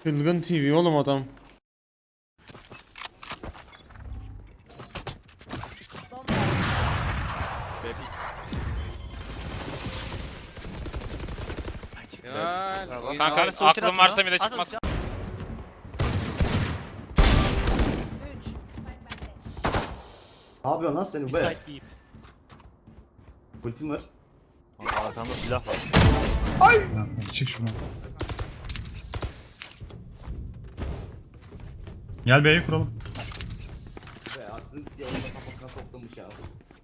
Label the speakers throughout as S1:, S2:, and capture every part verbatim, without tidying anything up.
S1: Çılgın T V oğlum adam.
S2: Kanka aklım varsa bir de çıkmaz.
S3: Ne yapıyorsun lan sen be? Ultim var.
S4: Arkamda silah var.
S3: Ay!
S5: Çık şuradan. Gel B'yi kuralım.
S3: Be aksın diye onun da kafasına soktuğum ya.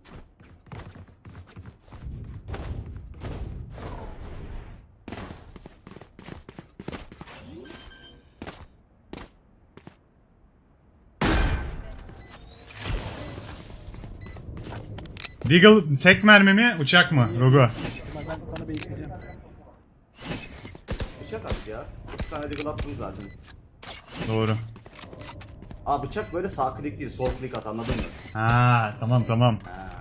S5: Deagle tek mermi mi uçak mı? Rogo.
S3: Bıçak at ya. Bir tane deagle attım zaten.
S5: Doğru.
S3: Aa bıçak böyle sağ klik değil, sol klik at, anladın mı?
S5: Ha tamam tamam.
S3: Ha.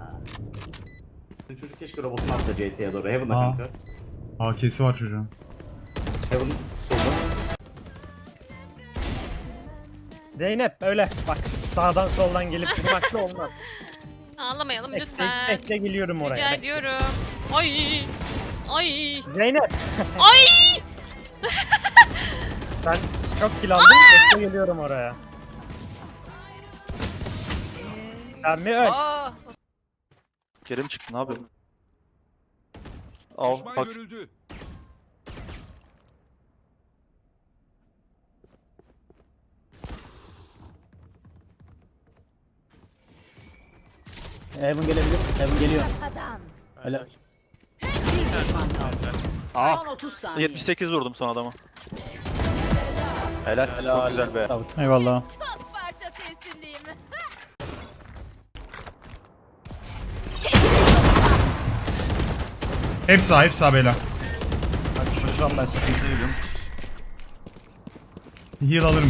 S3: Çocuk keşke robotunu atsa C T'ye doğru. Heaven'da
S5: Aa.
S3: kanka.
S5: A K'si var çocuğun.
S3: Heaven solda.
S4: Zeynep öyle bak sağdan soldan gelip vurmakla olmaz.
S6: Ağlamayalım
S4: Bekle,
S6: lütfen.
S4: bekle geliyorum oraya.
S6: Rica
S4: Bekle.
S6: ediyorum. Ay. Ay.
S4: Zeynep
S6: Ay.
S4: sen çok kill aldın bekle geliyorum oraya. Sen mi öl?
S7: Geri mi çıktı, ne yapıyorsun? Al bak.
S4: Evan gelebilir. Evan geliyor. Öyle.
S7: Aa, yetmiş sekiz vurdum son adama. Helal, çok güzel be.
S5: Eyvallah.
S8: Çok parça tesirliyim.
S5: Hepsi sağ, hepsi sağ beyler.
S7: Hadi koşacağım ben, sıkıntı seviyorum.
S5: Heal alırım.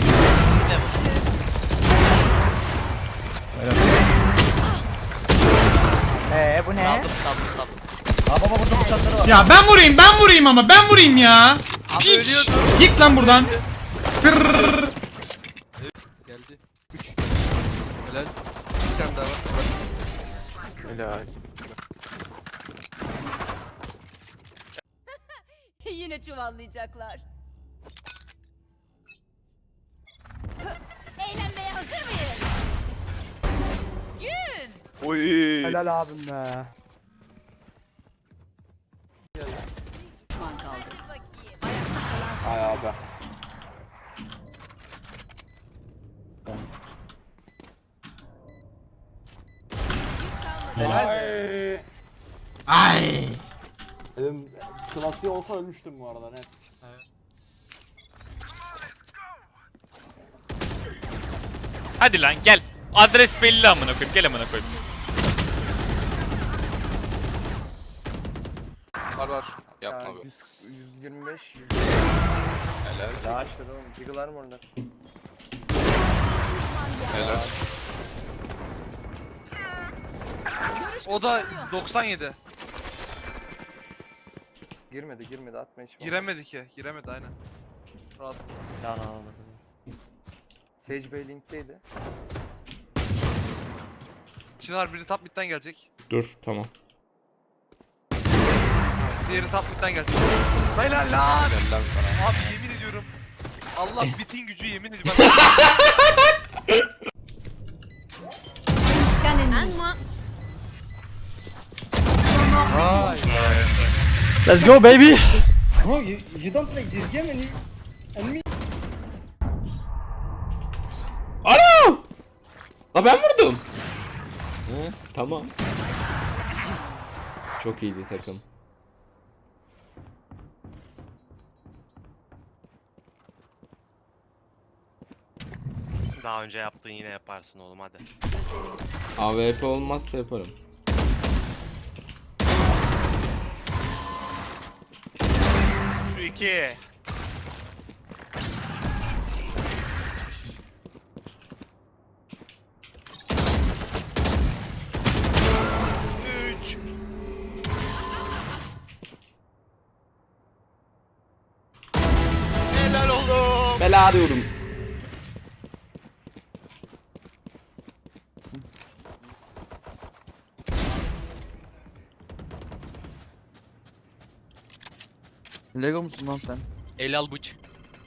S9: Eee bu ne?
S4: Aa baba burada bıçakları var.
S5: Ya ben vurayım, ben vurayım ama ben vurayım ya. Piç. Git lan buradan. Kırrrr.
S10: Geldi. üç. Helal. Bir tane daha var.
S7: Helal.
S8: Yine çuvallayacaklar. Eğlenmeye hazır mıyız? Gün.
S7: Oy.
S9: Helal abim be.
S8: Hadi bakayım.
S9: Ay abi.
S4: Helal.
S9: Ay.
S5: Ay.
S9: Dedim klasiği olsa ölmüştüm bu arada net.
S2: Hadi lan gel. Adres belli amına koyayım. Gel amına koyayım.
S10: Var var. Yapma be.
S9: yüz yirmi beş.
S10: Helal.
S9: Daha işte oğlum. Jiggle'lar mı orada?
S10: Helal. O da doksan yedi.
S9: Girmedi girmedi atma hiç.
S10: Giremedi ki. Giremedi aynen. Rahat.
S9: Can alamadım. Sage Bey linkteydi.
S10: Çınar biri top mid'den gelecek.
S1: Dur tamam.
S10: Diğeri top mid'den gelecek. Helal lan. Helal lan sana. Abi yemin ediyorum. Allah bitin gücü yemin ediyorum.
S4: Let's go baby.
S9: Bro you, you don't play this game and you and me.
S1: Ana! La ben vurdum. He, tamam. Çok iyiydi takım.
S11: Daha önce yaptığın yine yaparsın oğlum hadi.
S1: A W P olmazsa yaparım.
S11: iki. Üç. Helal oğlum.
S1: bela diyorum.
S9: Lego musun lan sen?
S2: El al bıç.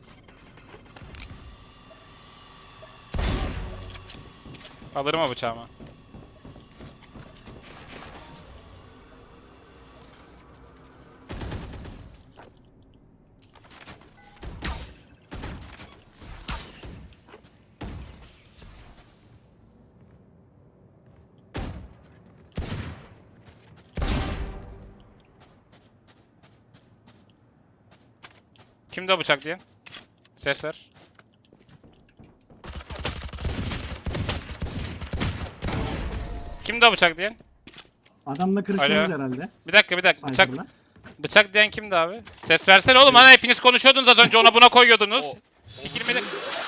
S2: Alırım o bıçağımı. Kimde o bıçak diye? Ses ver. Kimde o bıçak diyen?
S9: Adamla
S2: kırışıyoruz
S9: herhalde.
S2: Bir dakika bir dakika bıçak bıçak diyen kimdi abi? Ses versene oğlum, hani hepiniz konuşuyordunuz az önce, ona buna koyuyordunuz. Sikilmedi.